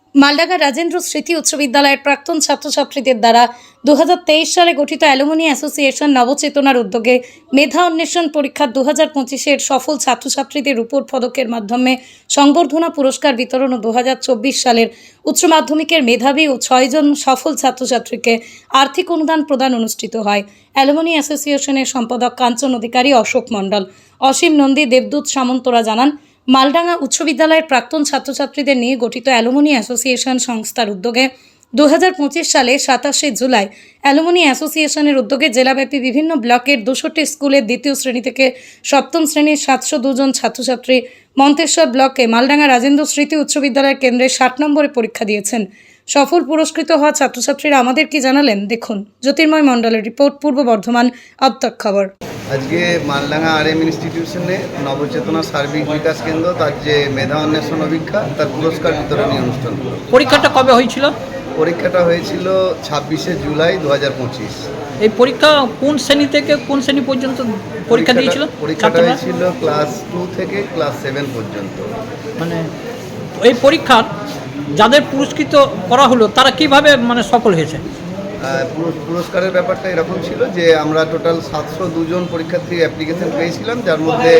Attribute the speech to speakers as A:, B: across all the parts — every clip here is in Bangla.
A: মালডাঙ্গা রাজেন্দ্র স্মৃতি উচ্চ বিদ্যালয়ের প্রাক্তন ছাত্রছাত্রীদের দ্বারা 2023 সালে গঠিত অ্যালুমিনি অ্যাসোসিয়েশন নবচেতনার উদ্যোগে মেধা অন্বেষণ পরীক্ষা 2025-এর সফল ছাত্রছাত্রীদের রূপোর পদকের মাধ্যমে সংবর্ধনা পুরস্কার বিতরণ ও 2024 সালের উচ্চ মাধ্যমিকের মেধাবী ও 6 জন সফল ছাত্রছাত্রীকে আর্থিক অনুদান প্রদান অনুষ্ঠিত হয়। অ্যালুমিনি অ্যাসোসিয়েশনের সম্পাদক কাঞ্চন অধিকারী, অশোক মণ্ডল, অসীম নন্দী, দেবদূত সামন্তরা জানান, মালডাঙ্গা উচ্চ বিদ্যালয়ের প্রাক্তন ছাত্রছাত্রীদের নিয়ে গঠিত অ্যালুমিনি অ্যাসোসিয়েশন সংস্থার উদ্যোগে 2025 সালে 27 জুলাই অ্যালুমিনি অ্যাসোসিয়েশনের উদ্যোগে জেলাব্যাপী বিভিন্ন ব্লকের 200টি স্কুলের দ্বিতীয় শ্রেণী থেকে সপ্তম শ্রেণীর 702 জন ছাত্রছাত্রী মন্তেশ্বর ব্লকে মালডাঙ্গা রাজেন্দ্র স্মৃতি উচ্চ বিদ্যালয়ের কেন্দ্রে 60 নম্বরে পরীক্ষা দিয়েছেন। সফল পুরস্কৃত হওয়া ছাত্রছাত্রীরা আমাদের কি জানালেন দেখুন। জ্যোতির্ময় মণ্ডলের রিপোর্ট, পূর্ব বর্ধমান আবতাক খবর।
B: আজকে মালডাঙ্গা RM ইনস্টিটিউশনে নবচেতনা সার্বিক বিকাশ কেন্দ্র তার যে মেধা অন্বেষণ অভিজ্ঞতা তার পুরস্কার বিতরণী অনুষ্ঠান।
C: পরীক্ষাটা কবে হয়েছিল?
B: পরীক্ষাটা হয়েছিল 26 জুলাই 2025।
C: এই পরীক্ষা কোন শ্রেণী থেকে কোন শ্রেণী পর্যন্ত পরীক্ষা দিয়েছিল?
B: পরীক্ষাটা হয়েছিল ক্লাস 2 থেকে ক্লাস 7 পর্যন্ত।
C: মানে এই পরীক্ষার যাদের পুরস্কৃত করা হলো তারা কিভাবে সফল হয়েছে?
B: পুরস্কারের ব্যাপারটা এরকম ছিল যে আমরা টোটাল 702 জন পরীক্ষার্থী অ্যাপ্লিকেশন পেয়েছিলাম, যার মধ্যে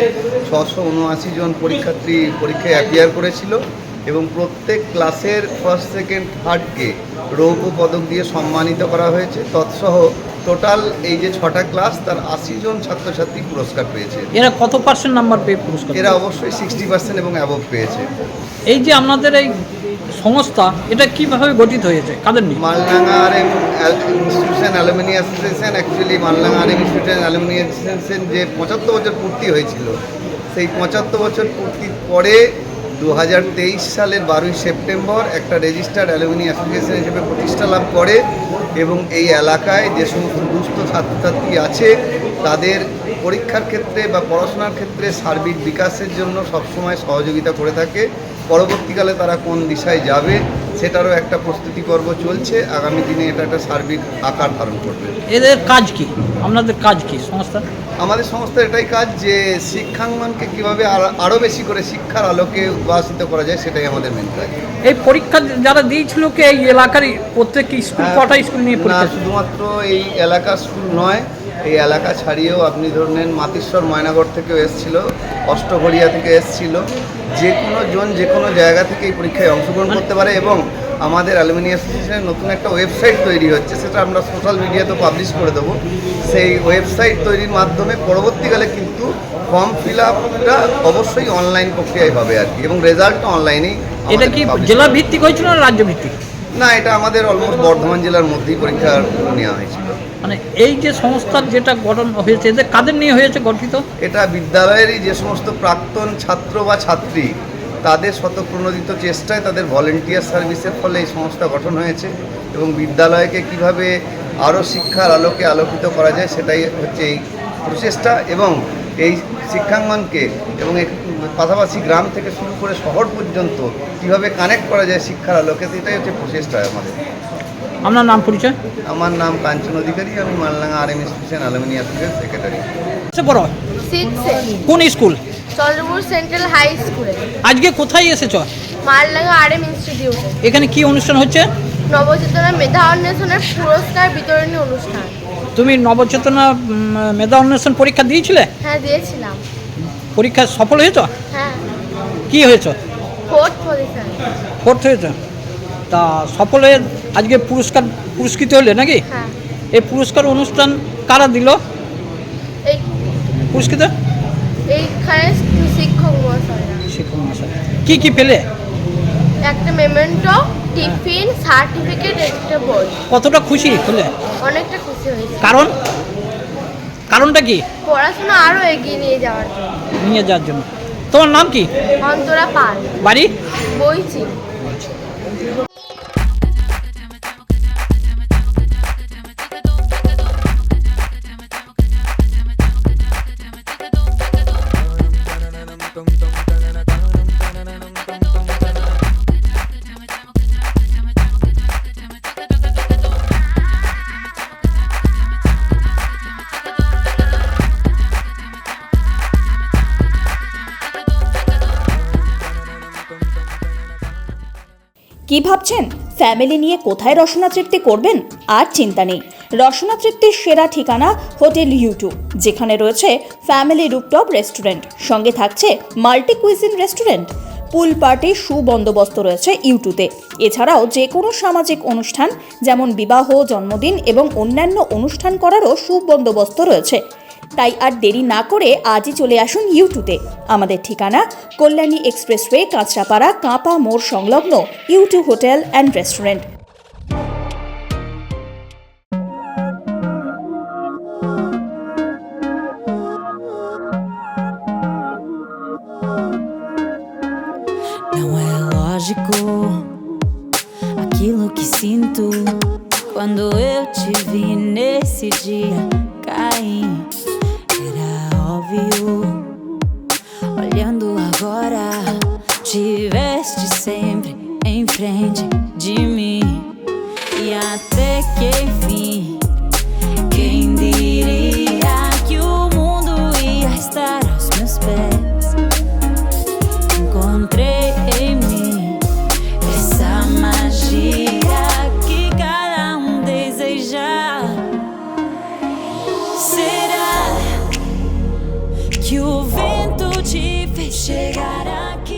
B: 679 জন পরীক্ষার্থী পরীক্ষায় অ্যাপিয়ার করেছিল এবং প্রত্যেক ক্লাসের ফার্স্ট, সেকেন্ড, থার্ডকে রৌপ্য পদক দিয়ে সম্মানিত করা হয়েছে। তৎসহ টোটাল এই যে 6টা ক্লাস তার 80 জন ছাত্রছাত্রী পুরস্কার পেয়েছে।
C: এরা কত পার্সেন্ট নাম্বার পেয়ে পুরস্কার?
B: এরা অবশ্যই 60% এবং অ্যাবভ পেয়েছে।
C: এই যে আপনাদের এই সংস্থা, এটা কিভাবে গঠিত হয়েছে, কাদের নিয়ে?
B: Maldanga RM institution alumni association, actually Maldanga RM institution alumni association যে 75 বছর পূর্তি হয়েছিল, সেই 75 বছর পূর্তির পরে 2023 সালের 12 সেপ্টেম্বর একটা রেজিস্টার্ড অ্যালুমিনি অ্যাসোসিয়েশন হিসেবে প্রতিষ্ঠা লাভ করে এবং এই এলাকায় যে সমস্ত দুস্থ ছাত্রছাত্রী আছে তাদের পরীক্ষার ক্ষেত্রে বা পড়াশোনার ক্ষেত্রে সার্বিক বিকাশের জন্য সবসময় সহযোগিতা করে থাকে। পরবর্তীকালে তারা কোন দিশায় যাবে সেটারও একটা প্রস্তুতি পর্ব চলছে। আগামী দিনে এটা একটা সার্বিক আকার ধারণ করবে।
C: এদের কাজ কি, আপনাদের কাজ কি সংস্থা?
B: আমাদের সংস্থার এটাই কাজ যে শিক্ষাঙ্গনকে কীভাবে আরও বেশি করে শিক্ষার আলোকে উদ্ভাসিত করা যায়, সেটাই আমাদের মেন কাজ।
C: এই পরীক্ষা যারা দিয়েছিল কি এই এলাকার প্রত্যেক স্কুল, কটা স্কুল নিয়ে পরীক্ষা?
B: শুধুমাত্র এই এলাকার স্কুল নয়, এই এলাকা ছাড়িয়েও আপনি ধরলেন মাতিশ্বর ময়নাগড় থেকেও এসেছিল, অষ্টঘরিয়া থেকে এসেছিল। যে কোনো জন যে কোনো জায়গা থেকে এই পরীক্ষায় অংশগ্রহণ করতে পারে এবং আমাদের অ্যালুমিনি অ্যাসোসিয়েশনের নতুন একটা ওয়েবসাইট তৈরি হচ্ছে, সেটা আমরা সোশ্যাল মিডিয়াতে পাবলিশ করে দেবো। সেই ওয়েবসাইট তৈরির মাধ্যমে পরবর্তীকালে কিন্তু ফর্ম ফিল আপটা অবশ্যই অনলাইন প্রক্রিয়ায় হবে আর কি, এবং রেজাল্টটা অনলাইনেই।
C: এটা কি জেলা ভিত্তিক হয়েছিল না রাজ্য ভিত্তিক?
B: না, এটা আমাদের অলমোস্ট বর্ধমান জেলার মধ্যেই পরীক্ষা নেওয়া হয়েছিল।
C: মানে এই যে সংস্থার যেটা গঠন হয়েছে, এদের কাদের নিয়ে হয়েছে গঠিত? এটা
B: বিদ্যালয়েরই যে সমস্ত প্রাক্তন ছাত্র বা ছাত্রী তাদের স্বতঃপ্রণোদিত চেষ্টায়, তাদের ভলেন্টিয়ার সার্ভিসের ফলে এই সংস্থা গঠন হয়েছে এবং বিদ্যালয়কে কিভাবে আরও শিক্ষার আলোকে আলোকিত করা যায় সেটাই হচ্ছে এই প্রচেষ্টা। এবং এই শিক্ষাঙ্গনকে এবং পাশাপাশি গ্রাম থেকে শুরু করে শহর পর্যন্ত কীভাবে কানেক্ট করা যায় শিক্ষার আলোকে, সেটাই হচ্ছে প্রচেষ্টা আমাদের।
C: আপনার নাম পরিচয়?
B: আমার নাম কাঞ্চন অধিকারী, আমি Maldanga RM institution alumni association secretary.
C: কোন স্কুল?
D: চন্দ্রপুর সেন্ট্রাল হাই স্কুলে।
C: আজকে কোথায় এসেছ?
D: মালডাঙ্গা RM ইনস্টিটিউটে।
C: এখানে কি অনুষ্ঠান হচ্ছে?
D: নবচেতনা মেধা অন্বেষণের পুরস্কার বিতরণী অনুষ্ঠান।
C: তুমি নবচেতনা মেধা অন্বেষণ পরীক্ষা দিয়েছিলে?
D: হ্যাঁ, দিয়েছিলাম।
C: পরীক্ষা সফল হয়েছ?
D: হ্যাঁ।
C: কি হয়েছ?
D: 4th position.
C: 4th হয়েছ? তা সফল হয়ে আজকে পুরস্কৃত হলে নাকি?
D: হ্যাঁ।
C: এই পুরস্কার অনুষ্ঠান কারা দিল
D: এই
C: পুরস্কৃত?
D: এইখানে শিক্ষক মহাশয়রা।
C: শিক্ষক মহাশয় কি কি পেলে?
D: একটা মেমেন্টো, টিফিন, সার্টিফিকেট, একটা বই।
C: কতটা খুশি হলে?
D: অনেকটা খুশি হয়েছি।
C: কারণটা কি?
D: পড়াশোনা আরও এগিয়ে নিয়ে যাওয়ার
C: জন্য। তোমার নাম কি?
D: অন্তরা পাল।
C: বাড়ি?
D: বইছি।
E: কি ভাবছেন ফ্যামিলি নিয়ে কোথায় রসনা তৃপ্তি করবেন? আর চিন্তা নেই, রসনা তৃপ্তির সেরা ঠিকানা হোটেল ইউ2, যেখানে রয়েছে ফ্যামিলি রুফটপ রেস্টুরেন্ট, সঙ্গে থাকছে মাল্টি কুইজিন রেস্টুরেন্ট। পুল পার্টির সুবন্দোবস্ত রয়েছে ইউ2তে। এছাড়াও যে কোনো সামাজিক অনুষ্ঠান যেমন বিবাহ, জন্মদিন এবং অন্যান্য অনুষ্ঠান করারও সুবন্দোবস্ত রয়েছে। তাই আর দেরি না করে আজই চলে আসুন ইউ2তে। আমাদের ঠিকানা কল্যাণী এক্সপ্রেসওয়ে, কাঁচরাপাড়া, কাঁপা মোড় সংলগ্ন U2 hotel and restaurant.
F: Não é lógico aquilo que sinto quando eu te vi nesse dia cair. Era óbvio, olhando agora, tiveste sempre em frente de mim. E até que enfim, quem diria que o mundo ia estar aos meus pés? Encontrei em mim essa magia que cada deseja. Será que o vento te fez chegar aqui?